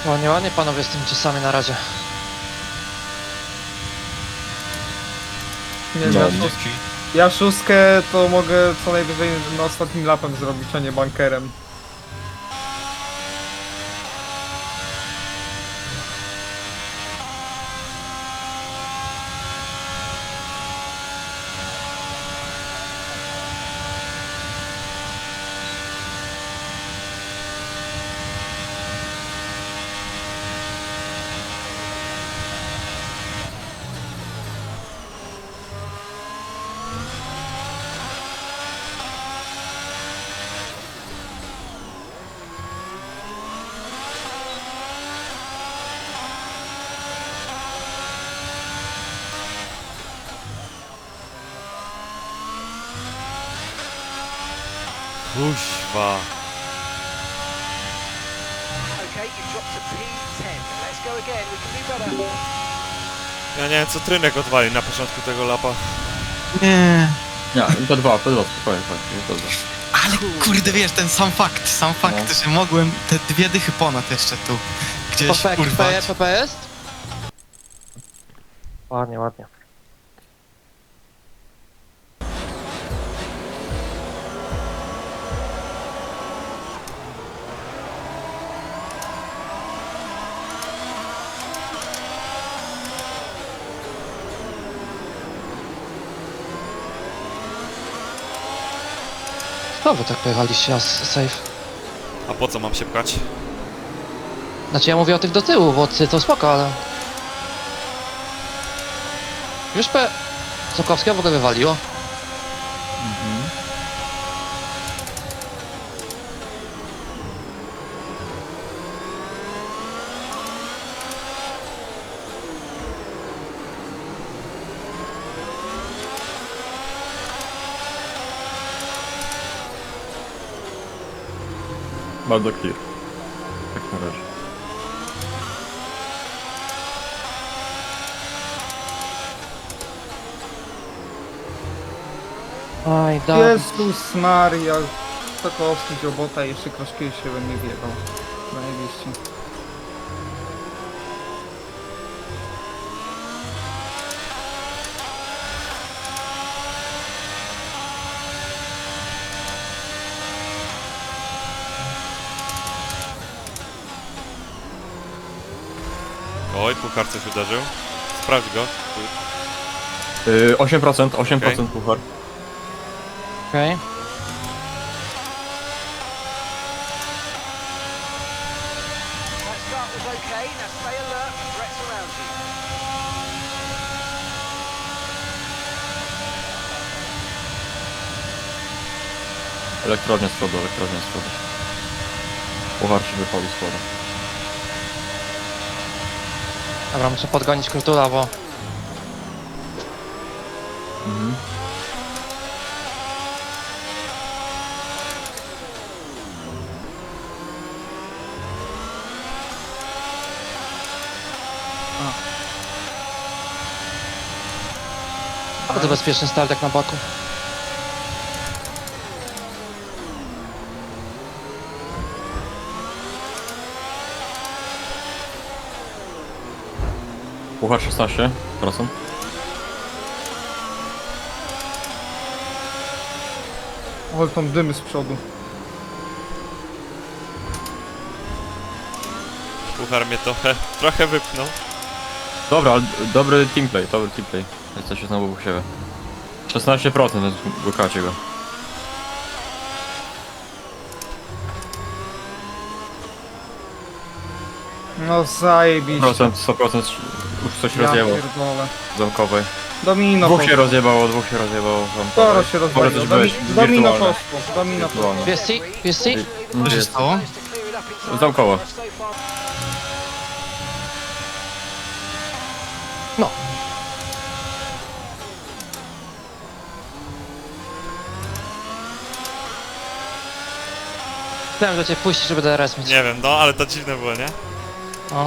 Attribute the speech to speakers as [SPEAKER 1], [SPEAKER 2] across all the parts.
[SPEAKER 1] Ładnie, ładnie panowie z tymi czasami na razie.
[SPEAKER 2] Nie,
[SPEAKER 3] No,
[SPEAKER 2] ja szóstkę to mogę co najwyżej na ostatnim lapem zrobić, a nie bankerem.
[SPEAKER 3] Kuźwa.
[SPEAKER 4] Okay, you dropped to P10. Let's go again. We can do better.
[SPEAKER 3] Ja nie wiem, co Trynek odwali na początku tego lapa.
[SPEAKER 5] Nie.
[SPEAKER 6] Nie, P2, spokojnie, P2.
[SPEAKER 5] Ale kurde, wiesz, ten sam fakt, że mogłem te dwie dychy ponad jeszcze tu gdzieś urwać.
[SPEAKER 1] PP jest? Ładnie, ładnie. Znowu tak pojechaliście, safe.
[SPEAKER 3] A po co mam się pchać?
[SPEAKER 1] Znaczy ja mówię o tych do tyłu, bo ty to spoko, ale... Już Sokowskiego w ogóle wywaliło.
[SPEAKER 6] Bardzo clear. Tak na razie.
[SPEAKER 1] Aj, dobra.
[SPEAKER 2] Jezus Maria. Sokowski, Dziobota i jeszcze Kraszkiewicz się we mnie wjebał. Zajebiście.
[SPEAKER 3] Oj, puchar coś uderzył. Sprawdź go.
[SPEAKER 6] 8%, 8%
[SPEAKER 3] Okej.
[SPEAKER 6] puchar.
[SPEAKER 1] Okej.
[SPEAKER 4] That start was okay. Now stay alert. Threats around you.
[SPEAKER 6] Elektrownia z przodu, elektrownia z przodu. Puchar się wypalił z przodu.
[SPEAKER 1] Dobra, muszę podgonić Krutula, bo...
[SPEAKER 6] Mhm.
[SPEAKER 1] Bardzo bezpieczny start jak na boku.
[SPEAKER 6] Puchar 16%.
[SPEAKER 2] Ale tam dymy z przodu.
[SPEAKER 3] Puchar mnie trochę wypchnął.
[SPEAKER 6] Dobra, ale dobry teamplay. Jest się znowu u siebie. 16%, więc łykacie go.
[SPEAKER 2] No zajebiście.
[SPEAKER 6] 100% już coś
[SPEAKER 2] Ja
[SPEAKER 6] rozjebał
[SPEAKER 2] pierdolę.
[SPEAKER 6] zamkowej.
[SPEAKER 2] Domino
[SPEAKER 6] Dwóch się
[SPEAKER 2] poszło.
[SPEAKER 6] rozjebało
[SPEAKER 2] Sporo
[SPEAKER 6] zamkowej.
[SPEAKER 2] się
[SPEAKER 6] Może
[SPEAKER 2] rozwaliło.
[SPEAKER 6] coś być
[SPEAKER 2] Domino
[SPEAKER 6] wirtualne.
[SPEAKER 2] poszło. Domino poszło.
[SPEAKER 6] Wirtualne.
[SPEAKER 1] PSC? PSC?
[SPEAKER 6] No,
[SPEAKER 5] Co się
[SPEAKER 6] jest.
[SPEAKER 5] stało?
[SPEAKER 4] Just to clear it up inside.
[SPEAKER 6] Zamkowo.
[SPEAKER 4] So far.
[SPEAKER 1] No. Chciałem do ciebie puścić, żeby DRS mieć.
[SPEAKER 3] Nie wiem, no ale to dziwne było, nie?
[SPEAKER 1] O.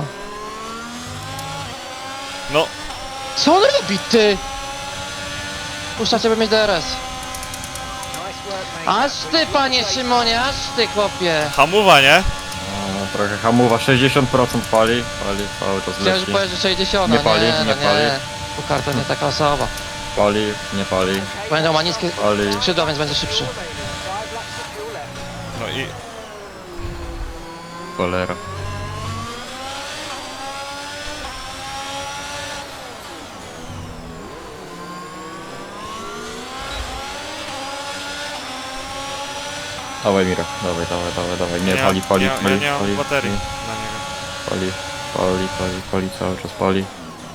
[SPEAKER 3] No,
[SPEAKER 1] Co on robi, ty? Puszcza ciebie mieć DRS.
[SPEAKER 4] Nice work, mate.
[SPEAKER 1] Aż ty, panie Szymonie, aż ty, chłopie.
[SPEAKER 3] hamuwa, nie?
[SPEAKER 6] Trochę hamuwa, 60% pali cały czas
[SPEAKER 1] Chciałem
[SPEAKER 6] leci.
[SPEAKER 1] powiedzieć, że 60,
[SPEAKER 6] Nie pali,
[SPEAKER 1] no
[SPEAKER 6] nie pali.
[SPEAKER 1] Puchar to nie taka osoba.
[SPEAKER 6] Pali, nie pali,
[SPEAKER 1] Będą ma niskie
[SPEAKER 6] pali.
[SPEAKER 1] skrzydła, więc będzie szybszy.
[SPEAKER 4] Remaining. 5 laps of fuel left.
[SPEAKER 3] No i...
[SPEAKER 6] Cholera. Dawaj Mira, dawaj. Nie, pali,
[SPEAKER 3] Ja nie mam baterii na niego.
[SPEAKER 6] Pali, cały czas pali.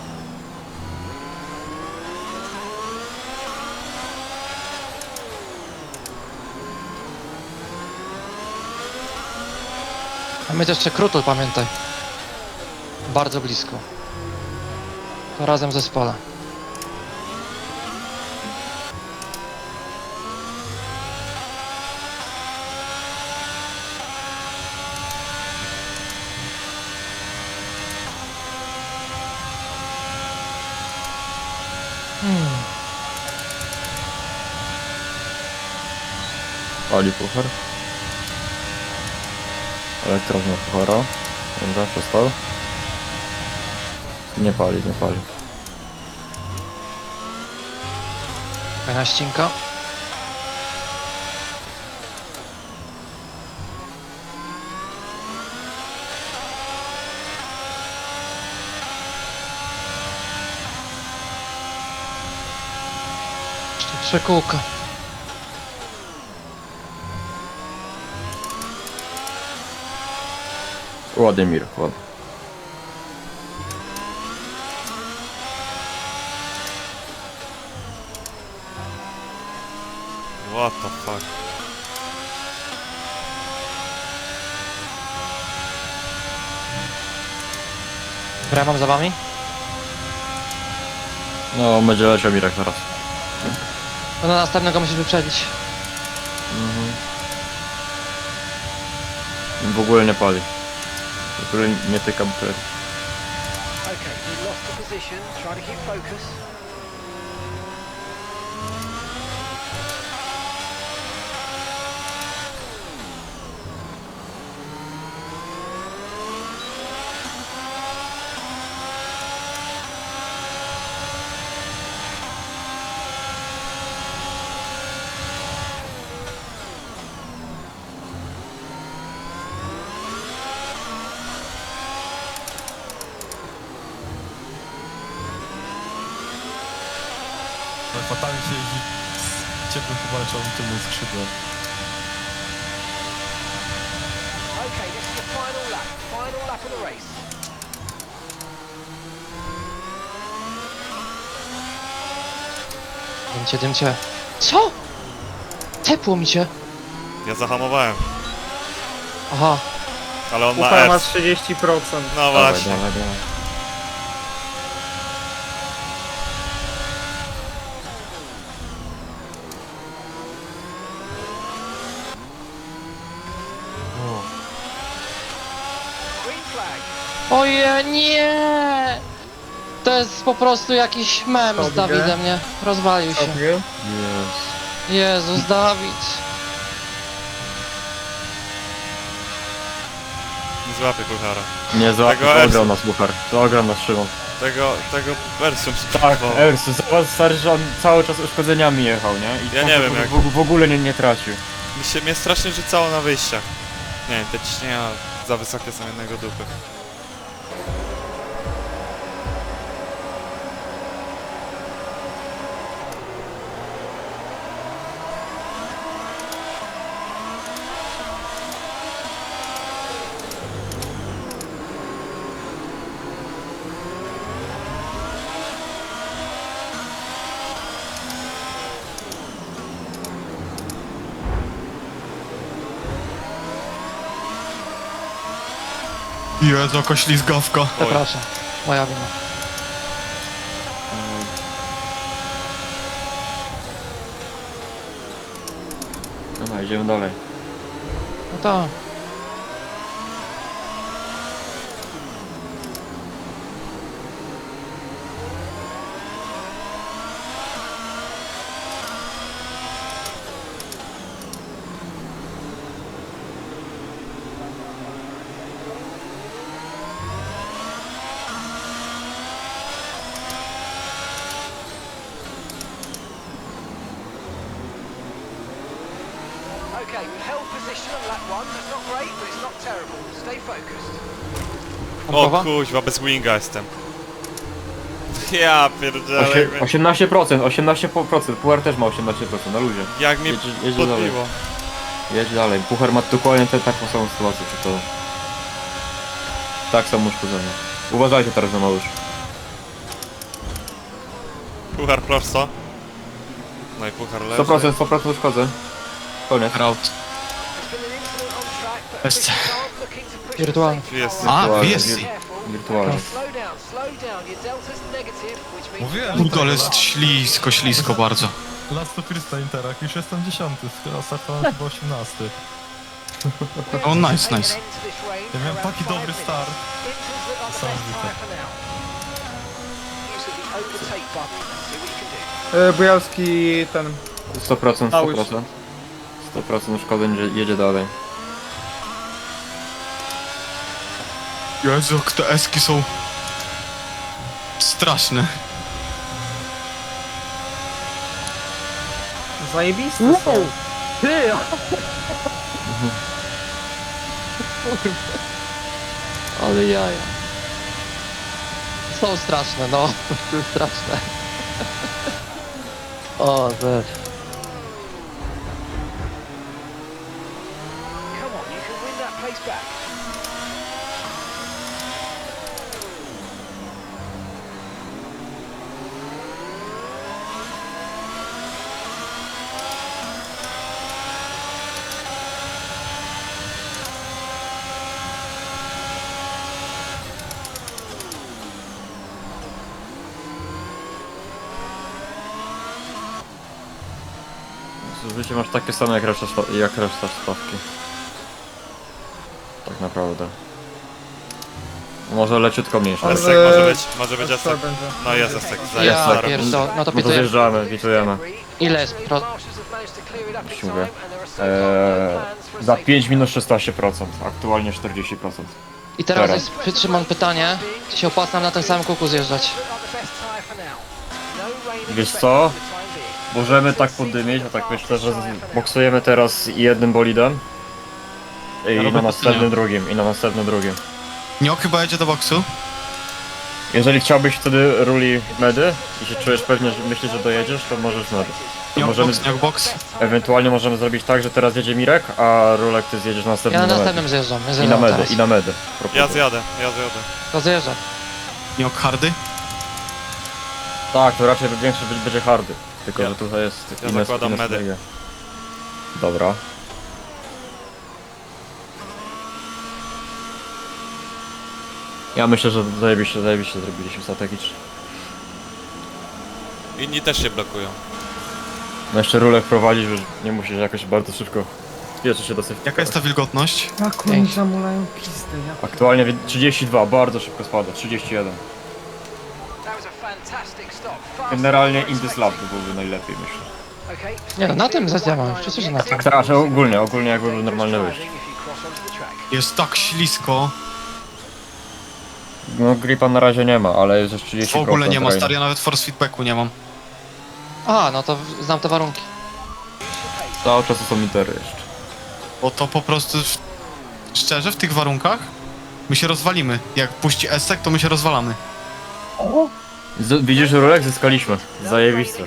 [SPEAKER 1] A my jeszcze Krutul, pamiętaj. Bardzo blisko. To razem w zespole.
[SPEAKER 6] Pali puchar. Elektrownia puchara. Dobra, przestał. Nie pali.
[SPEAKER 1] Fajna ścinka. Jeszcze 3 kółka.
[SPEAKER 6] Ładnie Mir, ładnie.
[SPEAKER 3] What the fuck.
[SPEAKER 1] Dobra, mam za wami?
[SPEAKER 6] No, będzie leciał Mirek zaraz.
[SPEAKER 1] No na następnego musisz wyprzedzić.
[SPEAKER 6] W ogóle nie pali. W ogóle nie tyka baterii.
[SPEAKER 4] Okay, we lost the position. Try to keep focus.
[SPEAKER 7] Fatalnie się jeździ z ciepłym pomarańczowym tylnym skrzydłem.
[SPEAKER 4] Okay, this is the final lap. Final lap of the race.
[SPEAKER 1] Dymcie. Co? Tepło mi się.
[SPEAKER 3] Ja zahamowałem,
[SPEAKER 1] Aha.
[SPEAKER 3] ale on ma
[SPEAKER 2] Puchar ma
[SPEAKER 3] R.
[SPEAKER 2] 30%.
[SPEAKER 3] No właśnie.
[SPEAKER 6] Dawaj.
[SPEAKER 4] Green flag.
[SPEAKER 1] Oje, nie! To jest po prostu jakiś mem z
[SPEAKER 2] Dobrze.
[SPEAKER 1] Dawidem, nie? Rozwalił się.
[SPEAKER 2] Dobrze.
[SPEAKER 6] Jest.
[SPEAKER 1] Jezus, Dawid.
[SPEAKER 3] Nie złapię puchara.
[SPEAKER 6] Nie złapał,
[SPEAKER 3] Tego
[SPEAKER 6] to ograł
[SPEAKER 3] Ersu.
[SPEAKER 6] nas puchar. To ograł nas Szymon.
[SPEAKER 3] Tego wersją
[SPEAKER 6] Tak, Ersu, zobacz stary, że on cały czas uszkodzeniami jechał, nie? I
[SPEAKER 3] Ja nie wiem, jak-
[SPEAKER 6] w ogóle nie tracił.
[SPEAKER 3] Mnie strasznie rzucało na wyjściach. Nie wiem, te ciśnienia za wysokie są jednego dupy.
[SPEAKER 5] Jezu, jaka ślizgawka.
[SPEAKER 1] Przepraszam. Moja wina.
[SPEAKER 6] Dobra, idziemy dalej.
[SPEAKER 1] No to.
[SPEAKER 4] Okay, we've held position on lap 1. That's not great, but it's not terrible. Stay focused.
[SPEAKER 3] O
[SPEAKER 1] Pompowa?
[SPEAKER 3] kuźwa, bez winga jestem. Ja pierdzielę.
[SPEAKER 6] 18%, Puchar też ma 18%, na luzie.
[SPEAKER 3] Jak mnie
[SPEAKER 6] Jedzie dalej.
[SPEAKER 3] podbiło.
[SPEAKER 6] Jedź dalej. Puchar ma dokładnie taką samą sytuację, czy to... Tak samo uszkodzenie. Uważajcie teraz na małysz.
[SPEAKER 3] Puchar prosto. No i puchar leży.
[SPEAKER 6] 100% uszkodzeń. Koniec.
[SPEAKER 5] Raut.
[SPEAKER 4] There's been an incident on track, but
[SPEAKER 5] Jest.
[SPEAKER 4] things aren't looking to push
[SPEAKER 1] Wirtualny.
[SPEAKER 3] Tu jest.
[SPEAKER 5] A,
[SPEAKER 6] Wirtualnie.
[SPEAKER 5] jest.
[SPEAKER 6] Wirtualnie.
[SPEAKER 4] Slow down. Your delta's negative, which means
[SPEAKER 7] Mówiłem,
[SPEAKER 5] Kurde, ale jest ślisko bardzo.
[SPEAKER 7] Last to first na Interach, już jestem 10, startowałem chyba 18.
[SPEAKER 5] O, nice, nice.
[SPEAKER 7] Ja miałem taki dobry start.
[SPEAKER 2] Bujalski ten...
[SPEAKER 6] 100%,
[SPEAKER 2] Małysz.
[SPEAKER 6] 100% uszkodzeń, że jedzie dalej.
[SPEAKER 5] Jezu, jak te eski są... straszne.
[SPEAKER 2] Zajebiste są.
[SPEAKER 1] Ty! Ale jaja. Są straszne, no. Są straszne. O, też.
[SPEAKER 4] Come on, you can win that place back.
[SPEAKER 6] Życie masz takie same jak reszta stawki. Tak naprawdę. Może leciutko mniejsze.
[SPEAKER 2] Ale-
[SPEAKER 3] Esek może być
[SPEAKER 2] Co
[SPEAKER 3] Esek.
[SPEAKER 2] będzie?
[SPEAKER 3] No jest Esek,
[SPEAKER 1] Ja
[SPEAKER 3] zajebista
[SPEAKER 1] pierdolę. No to
[SPEAKER 6] No to
[SPEAKER 1] pituję.
[SPEAKER 6] zjeżdżamy, witujemy.
[SPEAKER 1] Ile jest
[SPEAKER 6] Już mówię. Za 5 minut 16%, aktualnie 40%.
[SPEAKER 1] I teraz
[SPEAKER 6] Teraz.
[SPEAKER 1] jest, Szymon, pytanie, czy się opłaca nam na tym samym kółku zjeżdżać?
[SPEAKER 6] Wiesz co? Możemy tak poddymić, a tak myślę, że boksujemy teraz jednym bolidem. I
[SPEAKER 5] robię
[SPEAKER 6] na
[SPEAKER 5] to
[SPEAKER 6] następnym drugim, i na następnym drugim.
[SPEAKER 5] Nio chyba jedzie do boksu.
[SPEAKER 6] Jeżeli chciałbyś wtedy ruli medy i się czujesz pewnie, że myślisz, że dojedziesz, to możesz medy. To możemy,
[SPEAKER 5] Nio box.
[SPEAKER 6] ewentualnie możemy zrobić tak, że teraz jedzie Mirek, a Rulek ty zjedziesz
[SPEAKER 1] Ja
[SPEAKER 6] następnym
[SPEAKER 1] na
[SPEAKER 6] na medy.
[SPEAKER 1] następnym zjeżdżam. Ja
[SPEAKER 6] I na
[SPEAKER 1] zjeżdżam
[SPEAKER 6] medy,
[SPEAKER 1] teraz.
[SPEAKER 6] i na medy.
[SPEAKER 3] Ja
[SPEAKER 6] Proponuję.
[SPEAKER 3] zjadę.
[SPEAKER 1] To zjeżdżam.
[SPEAKER 5] Nio hardy.
[SPEAKER 6] Tak, to raczej większy będzie hardy. Tylko,
[SPEAKER 3] Ja-
[SPEAKER 6] że tutaj jest
[SPEAKER 3] ja
[SPEAKER 6] inne
[SPEAKER 3] zakładam medy.
[SPEAKER 6] strategie. Dobra. Ja myślę, że zajebiście zrobiliśmy strategicznie.
[SPEAKER 3] Inni też się blokują.
[SPEAKER 6] No jeszcze Rulek prowadzi, że nie musisz jakoś bardzo szybko spieszy się dosyć.
[SPEAKER 5] Jaka jest ta wilgotność?
[SPEAKER 2] Jak oni zamulają pizdę, ja...
[SPEAKER 6] Aktualnie 32, bardzo szybko spada, 31. Generalnie in this lap byłoby najlepiej, myślę.
[SPEAKER 1] Nie no, na tym zjeżdżamy. Wszyscy się na tym.
[SPEAKER 6] Tak, że ogólnie jakby był normalny wyjść.
[SPEAKER 5] Jest tak ślisko.
[SPEAKER 6] No gripa na razie nie ma, ale jest już 30%.
[SPEAKER 5] W ogóle nie ma,
[SPEAKER 6] rain.
[SPEAKER 5] stary, ja nawet force feedbacku nie mam.
[SPEAKER 1] A, no to znam te warunki.
[SPEAKER 6] Cały czas są litery jeszcze.
[SPEAKER 5] Bo to po prostu... Szczerze, w tych warunkach my się rozwalimy. Jak puści Esek, to my się rozwalamy.
[SPEAKER 6] Widzisz, Rulek? Zyskaliśmy. Zajebiste.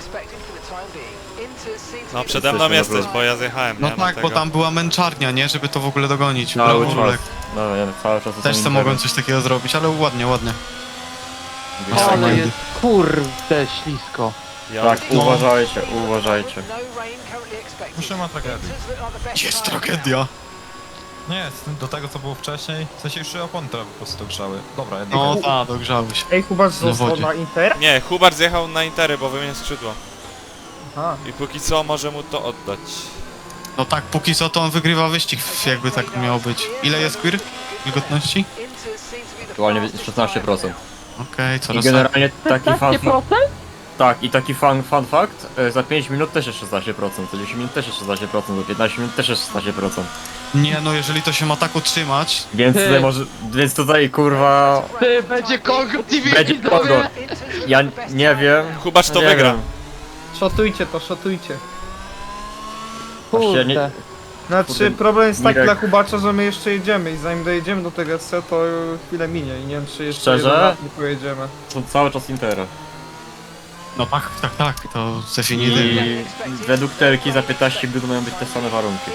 [SPEAKER 3] No przede mną
[SPEAKER 6] Jesteśmy
[SPEAKER 3] jesteś,
[SPEAKER 6] na
[SPEAKER 3] bo ja zjechałem,
[SPEAKER 5] No
[SPEAKER 3] nie?
[SPEAKER 5] tak, bo tam była męczarnia, nie? Żeby to w ogóle dogonić.
[SPEAKER 6] Cały
[SPEAKER 5] Brawo,
[SPEAKER 6] czas.
[SPEAKER 5] Rulek.
[SPEAKER 6] No nie, cały czas
[SPEAKER 5] Też
[SPEAKER 6] są
[SPEAKER 5] se mogłem coś takiego zrobić, ale ładnie, ładnie.
[SPEAKER 1] Ale jest kurde ślisko.
[SPEAKER 3] Ja
[SPEAKER 6] Tak,
[SPEAKER 5] No.
[SPEAKER 6] uważajcie.
[SPEAKER 7] Już nie ma tragedii.
[SPEAKER 5] Jest tragedia.
[SPEAKER 7] Nie jest, do tego co było wcześniej, w sensie już opony po prostu grzały. Dobra, jednak.
[SPEAKER 5] No tak, dogrzały się.
[SPEAKER 2] Ej, Kuba został
[SPEAKER 5] wodzie.
[SPEAKER 2] na Inter?
[SPEAKER 3] Nie, Hubert zjechał na Intery, bo wymienił skrzydła.
[SPEAKER 2] Aha.
[SPEAKER 3] I póki co może mu to oddać.
[SPEAKER 5] No tak, póki co to on wygrywa wyścig, jakby tak miało być. Ile jest queer? Wilgotności?
[SPEAKER 6] Aktualnie 16%.
[SPEAKER 5] Okej,
[SPEAKER 6] I
[SPEAKER 5] coraz
[SPEAKER 6] generalnie taki tak, i taki fun fact, za 5 minut też jest 16%, za 10 minut też jest 16%, za 15 minut też jest 16%.
[SPEAKER 5] Nie no, jeżeli to się ma tak utrzymać...
[SPEAKER 6] Więc tutaj kurwa,
[SPEAKER 1] Ty, będzie Kongo TV,
[SPEAKER 6] będzie
[SPEAKER 1] widzowie!
[SPEAKER 6] kogo. Ja nie wiem.
[SPEAKER 3] Hubert to
[SPEAKER 6] nie
[SPEAKER 3] wygra.
[SPEAKER 6] wiem.
[SPEAKER 2] Szotujcie to, szotujcie.
[SPEAKER 6] Właśnie nie,
[SPEAKER 1] Kurde.
[SPEAKER 2] Znaczy, problem jest taki
[SPEAKER 6] Mirek.
[SPEAKER 2] dla Kubacza, że my jeszcze jedziemy i zanim dojedziemy do tego SC, to chwilę minie i nie wiem, czy jeszcze
[SPEAKER 6] Szczerze?
[SPEAKER 2] jeden raz nie pojedziemy.
[SPEAKER 6] Są cały czas Intera.
[SPEAKER 5] No tak, to
[SPEAKER 6] I
[SPEAKER 5] definitywnie.
[SPEAKER 6] według Telki za 15 minut mają być te same warunki.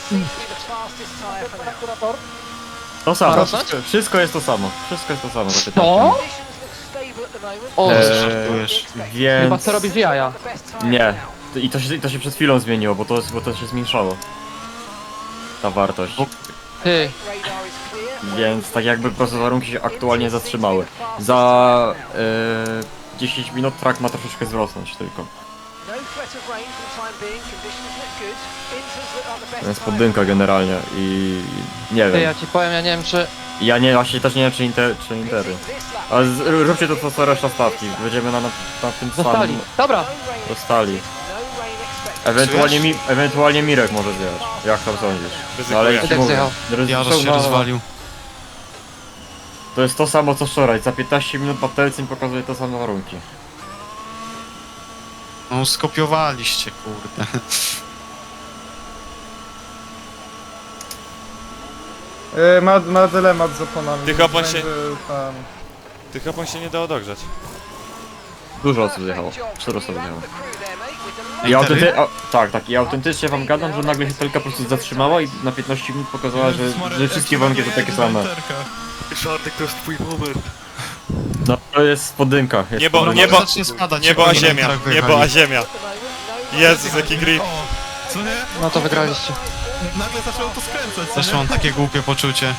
[SPEAKER 6] To samo,
[SPEAKER 1] Rosnąć?
[SPEAKER 6] wszystko jest to samo. Wszystko jest to samo za 15
[SPEAKER 1] No?
[SPEAKER 6] minut.
[SPEAKER 1] O,
[SPEAKER 5] Żartujesz.
[SPEAKER 1] chyba
[SPEAKER 6] Więc...
[SPEAKER 1] chce robić jaja.
[SPEAKER 6] Nie. To się przed chwilą zmieniło, bo to się zmniejszało. Ta wartość.
[SPEAKER 1] Ty,
[SPEAKER 6] Więc tak jakby po prostu warunki się aktualnie zatrzymały. Za 10 minut track ma troszeczkę wzrosnąć tylko. To jest podynka generalnie i nie
[SPEAKER 1] ty,
[SPEAKER 6] wiem.
[SPEAKER 1] ja ci powiem, ja nie wiem czy...
[SPEAKER 6] Ja nie, właśnie też nie wiem czy Intery. Ale róbcie to co reszta stawki. Będziemy na tym
[SPEAKER 1] Zostali.
[SPEAKER 6] samym
[SPEAKER 1] Dobra,
[SPEAKER 6] dostali. Ewentualnie Mirek może zjechać. Jak tam sądzisz? No, ale
[SPEAKER 3] Ryzykuję.
[SPEAKER 6] jak ci mówię,
[SPEAKER 1] zjechał.
[SPEAKER 5] Jarosz się rozwalił.
[SPEAKER 6] To jest to samo co wczoraj. Za 15 minut Patelcyn pokazuje te same warunki.
[SPEAKER 5] No skopiowaliście, kurde.
[SPEAKER 2] Ma dylemat z oponami.
[SPEAKER 3] Tych opon się-
[SPEAKER 2] Będzie tam...
[SPEAKER 3] Tych opon się nie dało dogrzać.
[SPEAKER 6] Dużo osób zjechało. 4 osoby zjechało.
[SPEAKER 5] Intery?
[SPEAKER 6] Tak. I autentycznie wam gadam, że nagle się Telka po prostu zatrzymała i na 15 minut pokazała, że wszystkie warunki to takie same. No to jest podynka. Jest
[SPEAKER 3] Niebo,
[SPEAKER 6] podynka.
[SPEAKER 3] niebo,
[SPEAKER 5] Zacznie spadać,
[SPEAKER 3] niebo a
[SPEAKER 5] jak oni
[SPEAKER 3] ziemia,
[SPEAKER 5] tak
[SPEAKER 3] niebo a
[SPEAKER 5] wyjechali.
[SPEAKER 3] ziemia. Jezus, jaki grip.
[SPEAKER 7] O, co nie?
[SPEAKER 1] no to wygraliście.
[SPEAKER 7] Nagle zaczęło to skręcać, co
[SPEAKER 5] Też
[SPEAKER 7] nie?
[SPEAKER 5] mam takie głupie poczucie.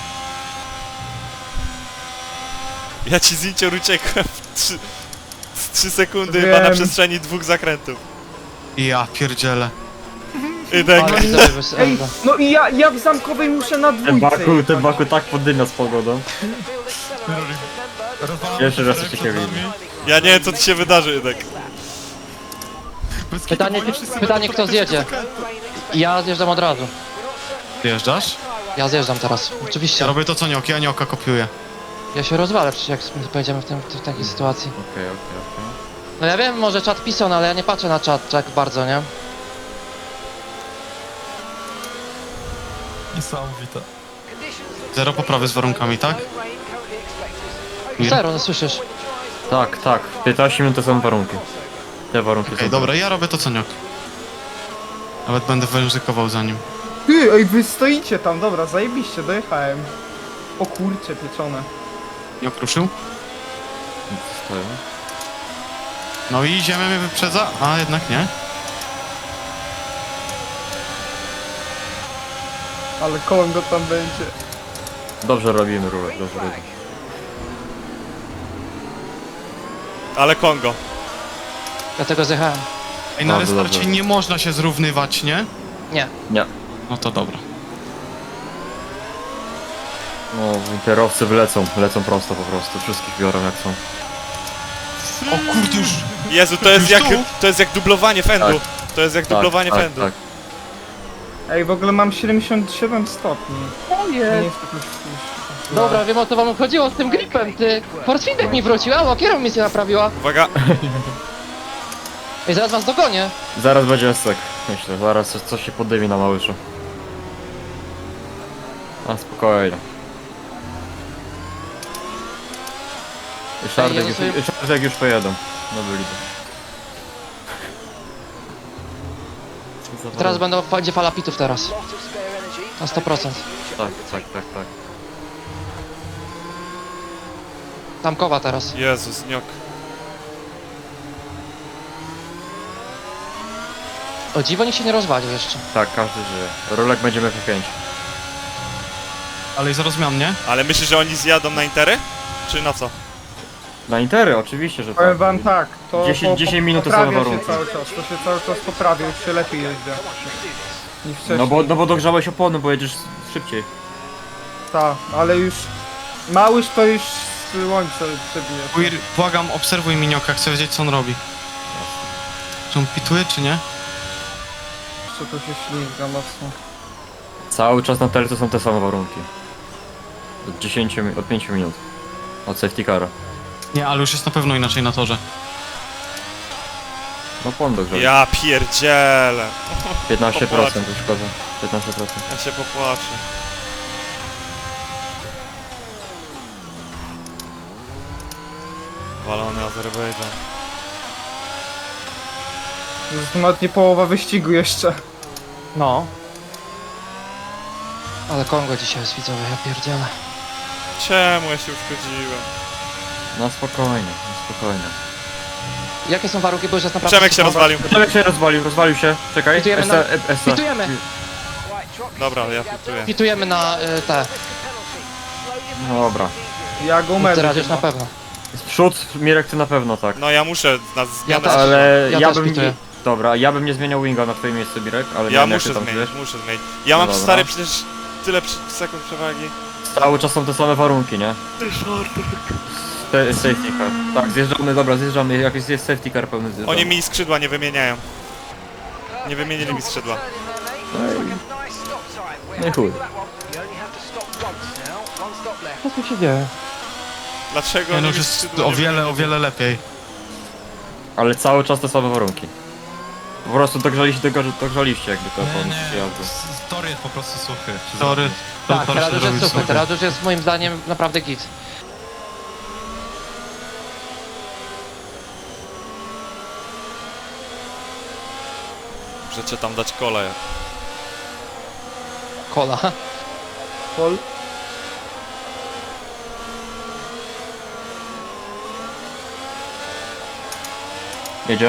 [SPEAKER 3] Ja ci z Incior uciekłem w 3 sekundy
[SPEAKER 2] Wiem.
[SPEAKER 3] chyba na przestrzeni 2 zakrętów.
[SPEAKER 5] I ja pierdzielę.
[SPEAKER 3] Ydek,
[SPEAKER 1] Ale widzowie bez
[SPEAKER 2] Ej,
[SPEAKER 1] Elda.
[SPEAKER 2] no i ja w zamkowej muszę na dwójce
[SPEAKER 6] Ten Baku tak podymia z pogodą.
[SPEAKER 7] Rozwalam
[SPEAKER 6] Pierwszy raz
[SPEAKER 7] szereg
[SPEAKER 6] coś
[SPEAKER 7] przed
[SPEAKER 6] takiego
[SPEAKER 7] nami.
[SPEAKER 3] ja nie wiem co ci się wydarzy, Ydek.
[SPEAKER 7] Bez kitu,
[SPEAKER 1] Pytanie,
[SPEAKER 7] bo oni wszyscy
[SPEAKER 1] pytanie
[SPEAKER 7] będą
[SPEAKER 1] kto
[SPEAKER 7] praktycznie
[SPEAKER 1] zjedzie.
[SPEAKER 7] zakrętu.
[SPEAKER 1] Ja zjeżdżam od razu.
[SPEAKER 5] Wjeżdżasz?
[SPEAKER 1] Ja zjeżdżam teraz,
[SPEAKER 5] Ja
[SPEAKER 1] oczywiście.
[SPEAKER 5] robię to co Nioki, a Nioka kopiuję.
[SPEAKER 1] Ja się rozwalę przecież jak pojedziemy w takiej sytuacji.
[SPEAKER 6] Okej.
[SPEAKER 1] No ja wiem, może czat pisał, no ale ja nie patrzę na czat tak bardzo, nie?
[SPEAKER 7] Niesamowite.
[SPEAKER 5] Zero poprawy z warunkami, tak? Mir?
[SPEAKER 1] Zero, no słyszysz.
[SPEAKER 6] Tak. 15 minut to są warunki. Te warunki
[SPEAKER 5] Okej,
[SPEAKER 6] są.
[SPEAKER 5] dobra, ja robię to co Niok. Nawet będę ryzykował za nim.
[SPEAKER 2] Ty, ej, wy stoicie tam, dobra, zajebiście, dojechałem. O kurcze, pieczone.
[SPEAKER 5] Niok ruszył?
[SPEAKER 6] Stoją.
[SPEAKER 5] No i ziemia mnie wyprzedza, a jednak nie.
[SPEAKER 2] Ale kołem go tam będzie.
[SPEAKER 6] Dobrze robimy, Rulek, dobrze robimy.
[SPEAKER 3] Ale Kongo.
[SPEAKER 1] Ja tego zjechałem.
[SPEAKER 5] Ej, na
[SPEAKER 6] Bardzo
[SPEAKER 5] restarcie
[SPEAKER 6] dobrze.
[SPEAKER 5] nie można się zrównywać, nie?
[SPEAKER 1] Nie.
[SPEAKER 6] Nie.
[SPEAKER 5] No to dobra.
[SPEAKER 6] No, interowcy lecą prosto po prostu. Wszystkich biorą jak są.
[SPEAKER 5] O kurde już!
[SPEAKER 3] Jezu,
[SPEAKER 5] Już tu?
[SPEAKER 3] to jest jak dublowanie fendu. To jest jak dublowanie
[SPEAKER 6] tak,
[SPEAKER 3] fendu.
[SPEAKER 6] tak.
[SPEAKER 2] Ej, w ogóle mam 77 stopni.
[SPEAKER 1] O
[SPEAKER 2] Nie
[SPEAKER 1] jest.
[SPEAKER 2] jest jakoś...
[SPEAKER 1] Dobra, wiem o co wam chodziło z tym gripem, ty. Force feedback mi wrócił, a kierownica mi się naprawiła.
[SPEAKER 3] Uwaga,
[SPEAKER 1] I zaraz was dogonię.
[SPEAKER 6] Zaraz będzie esek, myślę. Zaraz coś się poddymi na Małyszu. A spokojnie. Szardek już pojedą. No byli.
[SPEAKER 1] Teraz będzie fala pitów teraz. Na 100%.
[SPEAKER 6] Tak.
[SPEAKER 1] Tamkowa teraz.
[SPEAKER 3] Jezus, niok.
[SPEAKER 1] O dziwo nikt się nie rozwalił jeszcze.
[SPEAKER 6] Tak, każdy żyje. Rolek będziemy F5.
[SPEAKER 5] Ale i zaraz miał mnie.
[SPEAKER 3] Ale myślisz, że oni zjadą na intery? Czy na co?
[SPEAKER 6] Na Intery oczywiście, że
[SPEAKER 2] Powiem
[SPEAKER 6] tak.
[SPEAKER 2] wam tak, to
[SPEAKER 6] 10 minut to same
[SPEAKER 2] poprawia się
[SPEAKER 6] warunki.
[SPEAKER 2] cały czas, to się cały czas poprawia, już się lepiej jeździ niż wcześniej.
[SPEAKER 6] No bo dogrzałeś opony, bo jedziesz szybciej.
[SPEAKER 2] Tak, ale już Małysz to już słońce przebije.
[SPEAKER 5] Queer, błagam, obserwuj mi Nioka, chcę wiedzieć co on robi. Czy on pituje, czy nie?
[SPEAKER 2] Jeszcze to się ślizga mocno.
[SPEAKER 6] Cały czas na Telce są te same warunki. Od 5 minut. Od safety cara.
[SPEAKER 5] Nie, ale już jest na pewno inaczej na torze.
[SPEAKER 6] No pon dogrzał.
[SPEAKER 3] Ja pierdzielę.
[SPEAKER 6] 15% już szkoda. 15%.
[SPEAKER 3] Ja się popłaczę. Walony Azerbejdżan.
[SPEAKER 2] To jest nawet nie połowa wyścigu jeszcze.
[SPEAKER 1] No. Ale Kongo dzisiaj jest, widzowie, ja pierdzielę.
[SPEAKER 3] Czemu ja się uszkodziłem?
[SPEAKER 6] No spokojnie, no spokojnie.
[SPEAKER 1] Jakie są warunki, bo już jest naprawdę...
[SPEAKER 3] Przemek się rozwalił.
[SPEAKER 6] Przemek się rozwalił się, czekaj.
[SPEAKER 1] Pitujemy na- Pitujemy!
[SPEAKER 4] Right, drop
[SPEAKER 3] Dobra,
[SPEAKER 4] your
[SPEAKER 3] ja
[SPEAKER 4] speed,
[SPEAKER 3] pituję.
[SPEAKER 1] Pitujemy na te.
[SPEAKER 4] risk a penalty. Slow your
[SPEAKER 6] No dobra.
[SPEAKER 2] Ja go
[SPEAKER 1] Ty
[SPEAKER 2] umiem.
[SPEAKER 1] radzisz na pewno.
[SPEAKER 6] Z przód, Mirek, ty na pewno tak.
[SPEAKER 3] No ja muszę na
[SPEAKER 1] Ja
[SPEAKER 3] zmianę.
[SPEAKER 1] też.
[SPEAKER 6] Ale
[SPEAKER 1] Ja
[SPEAKER 6] ja
[SPEAKER 1] też
[SPEAKER 6] bym
[SPEAKER 1] pituję.
[SPEAKER 6] nie... Dobra, ja bym nie zmieniał winga na twoje miejsce, Mirek, ale nie
[SPEAKER 3] Ja
[SPEAKER 6] wiem, jak ty
[SPEAKER 3] muszę
[SPEAKER 6] tam
[SPEAKER 3] zmienić,
[SPEAKER 6] czujesz.
[SPEAKER 3] muszę zmienić. Ja mam
[SPEAKER 6] No dobra.
[SPEAKER 3] stary przecież tyle sekund przewagi.
[SPEAKER 6] Cały czas są te same warunki, nie? Safety car. Tak, zjeżdżamy, dobra, zjeżdżamy, jak jest safety car pełny zjeżdżamy.
[SPEAKER 3] Oni mi skrzydła nie wymieniają. Nie wymienili mi skrzydła.
[SPEAKER 6] No i chuj.
[SPEAKER 1] Co tu się dzieje?
[SPEAKER 3] Dlaczego
[SPEAKER 5] Nie,
[SPEAKER 3] oni
[SPEAKER 5] no
[SPEAKER 3] mi
[SPEAKER 5] już jest
[SPEAKER 3] skrzydła
[SPEAKER 5] o
[SPEAKER 3] nie
[SPEAKER 5] wiele,
[SPEAKER 3] wymienili?
[SPEAKER 5] o wiele lepiej.
[SPEAKER 6] Ale cały czas te same warunki. Po prostu dogrzaliście jakby to
[SPEAKER 7] Nie,
[SPEAKER 6] po
[SPEAKER 7] nie,
[SPEAKER 6] jazdy.
[SPEAKER 7] Tor jest po prostu suchy. się
[SPEAKER 5] Tory,
[SPEAKER 7] zrobił.
[SPEAKER 1] Tak,
[SPEAKER 5] tor
[SPEAKER 1] teraz
[SPEAKER 5] się
[SPEAKER 1] już jest
[SPEAKER 5] zrobił
[SPEAKER 1] super, teraz już jest moim zdaniem naprawdę git.
[SPEAKER 3] Możecie tam dać kolej.
[SPEAKER 1] Kola.
[SPEAKER 2] Pol.
[SPEAKER 6] Jedzie?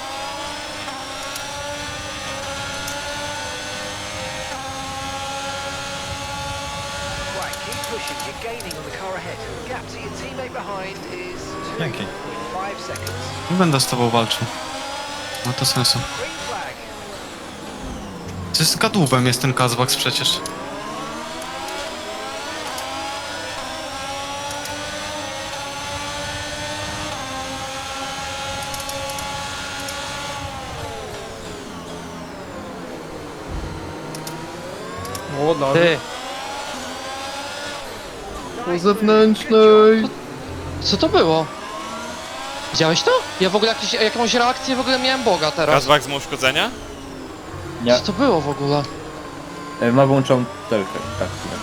[SPEAKER 4] Right, keep pushing. You're gaining on the car ahead. Gap to your teammate behind is
[SPEAKER 7] Dzięki.
[SPEAKER 4] 2.5 seconds.
[SPEAKER 5] Nie będę z tobą walczył. Ma to sensu.
[SPEAKER 4] Green flag.
[SPEAKER 5] To jest kadłubem jest ten Kazbaks przecież.
[SPEAKER 2] O, no.
[SPEAKER 1] Ty,
[SPEAKER 2] Po zewnętrznej.
[SPEAKER 1] co to było? Widziałeś to? Ja w ogóle jakąś reakcję w ogóle miałem Boga teraz.
[SPEAKER 3] Kazbak ma uszkodzenia?
[SPEAKER 6] Nie.
[SPEAKER 1] Co to było w ogóle?
[SPEAKER 6] Ma włączą telkę, tak, chwilę.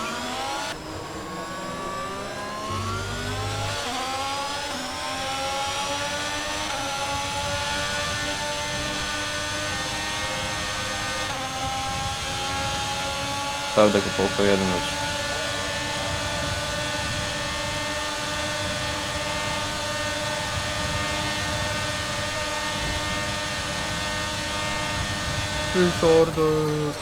[SPEAKER 6] Prawda, kupołko jeden leci.
[SPEAKER 2] Disorder.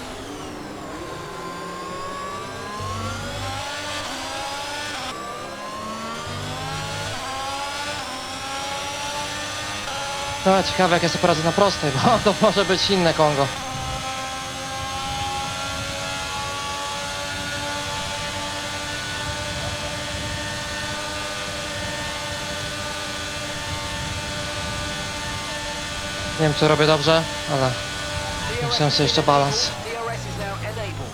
[SPEAKER 1] No, ciekawe jak ja sobie poradzę na prostej, bo to może być inne Kongo. Nie wiem czy robię dobrze, ale musiałem sobie jeszcze balans.
[SPEAKER 4] DRS is now enabled.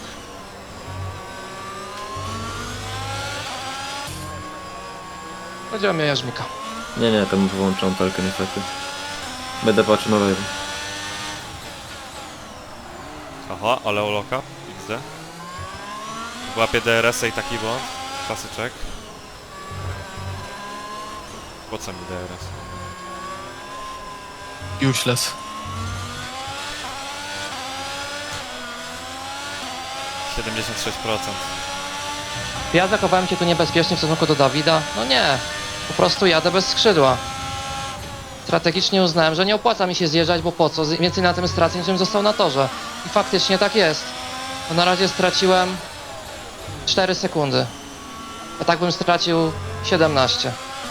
[SPEAKER 1] Chodziło mi o Jarzmika.
[SPEAKER 6] Nie, tam wyłączą telkę niestety. Będę patrzył na lewo.
[SPEAKER 3] Aha, ale oloka. XD. Łapie DRS-a i taki błąd. Klasyczek. Po co mi DRS?
[SPEAKER 5] Useless.
[SPEAKER 3] %.
[SPEAKER 1] Ja zachowałem się tu niebezpiecznie w stosunku do Dawida. No nie, po prostu jadę bez skrzydła. Strategicznie uznałem, że nie opłaca mi się zjeżdżać, bo po co? Więcej na tym stracę, niż został na torze. I faktycznie tak jest. Bo na razie straciłem 4 sekundy. A tak bym stracił 17.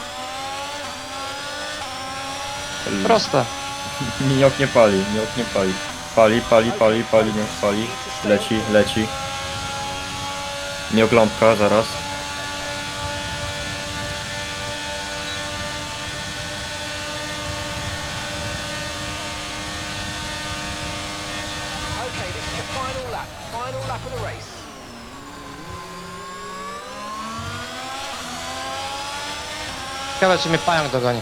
[SPEAKER 1] Proste.
[SPEAKER 6] Miniok nie pali, miniok nie pali. Pali, nie pali. Leci. Miniok lampka, zaraz.
[SPEAKER 4] Okay, this is the final lap. Final lap of the race.
[SPEAKER 1] Ciekawe, czy mnie pająk dogoni.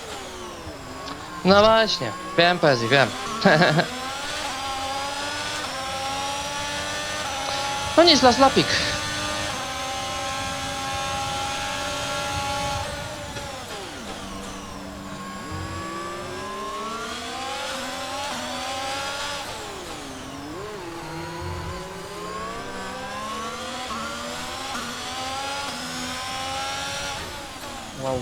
[SPEAKER 1] No właśnie, wiem Pezji, wiem. No nic, las lapik.
[SPEAKER 2] Wow.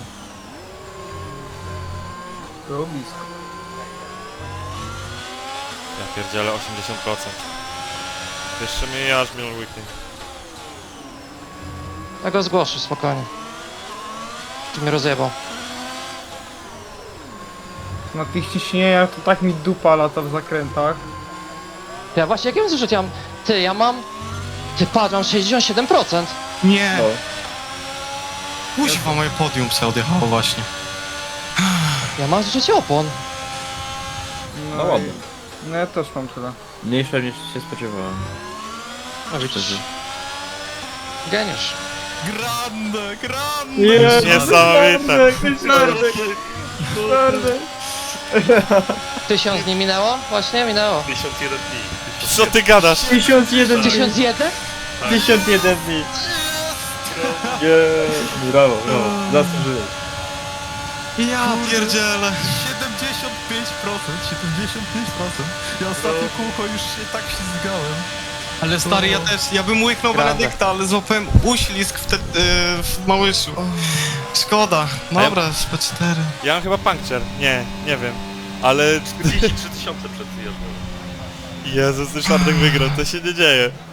[SPEAKER 2] Było blisko.
[SPEAKER 3] Ja pierdzielę 80%. Jeszcze mnie aż miał weekend.
[SPEAKER 1] Ja go zgłoszę, spokojnie. Ty mnie rozjebał.
[SPEAKER 2] Na tych ciśnieniach to tak mi dupa lata w zakrętach.
[SPEAKER 1] Ja właśnie, jak ja mam zużyć? Ja mam... Ty, patrz, mam 67%.
[SPEAKER 5] Nie!
[SPEAKER 6] No.
[SPEAKER 5] Kuźwa, moje podium se odjechało właśnie.
[SPEAKER 1] Ja mam zużycie opon.
[SPEAKER 6] No ładnie.
[SPEAKER 2] No ja też mam tyle.
[SPEAKER 6] Mniejsze niż się spodziewałem.
[SPEAKER 1] No widzisz. Geniusz.
[SPEAKER 5] Grande, grande!
[SPEAKER 3] Niesamowite!
[SPEAKER 1] 1000 dni minęło? Właśnie, minęło.
[SPEAKER 8] 51 dni.
[SPEAKER 3] Co ty gadasz?
[SPEAKER 6] 1001
[SPEAKER 1] 1001?
[SPEAKER 6] 1001 dni. Brawo, brawo. Zasłużyłeś.
[SPEAKER 5] Ja pierdzielę.
[SPEAKER 7] 75%, 75%. Ja ostatnie kółko już się tak ślizgałem.
[SPEAKER 5] Ale stary, ja bym łyknął
[SPEAKER 1] Grande.
[SPEAKER 5] Benedykta, ale złapałem uślizg wtedy w Małyszu. Szkoda. Dobra, SP4.
[SPEAKER 3] Ja mam chyba puncture. Nie wiem. Ale...
[SPEAKER 8] 43 tysiące przed wyjazdem.
[SPEAKER 3] Jezus, ten Szarnek wygrał, to się nie dzieje.